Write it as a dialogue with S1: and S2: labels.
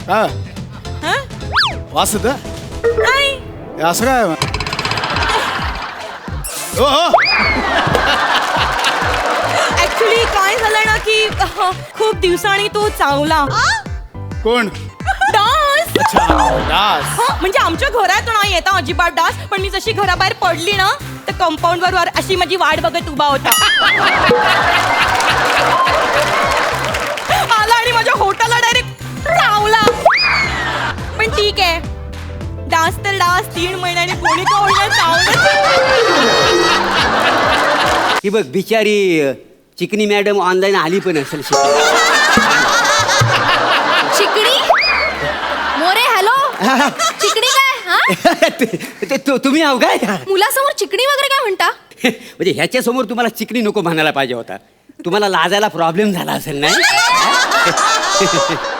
S1: काय
S2: हा?
S1: वास येत
S2: नाही
S1: असं काय हो हो
S2: ऍक्च्युली काय झालं ना की खूप दिवसांनी तो चावला
S1: कोण
S2: डास
S1: डास
S2: म्हणजे आमच्या घरात नाही येता अजिबात डास पण मी जशी घराबाहेर पडली ना तर कंपाऊंड वर अशी माझी वाट बघत उभा होता आला आणि माझ्या होटाला डायरेक्ट चावला पण ठीक आहे डास तर डास 3 महिन्याने कोणी का होईना चावलं
S3: ही बघ बिचारी चिकनी मॅडम ऑनलाईन आली पण असेल
S4: चिकणी मोरे हॅलो चिकणी काय
S3: तुम्ही आहो काय
S4: मुलासमोर चिकणी वगैरे काय म्हणता
S3: म्हणजे ह्याच्या समोर तुम्हाला चिकनी नको म्हणायला पाहिजे होता तुम्हाला लाजायला प्रॉब्लेम झाला असेल नाही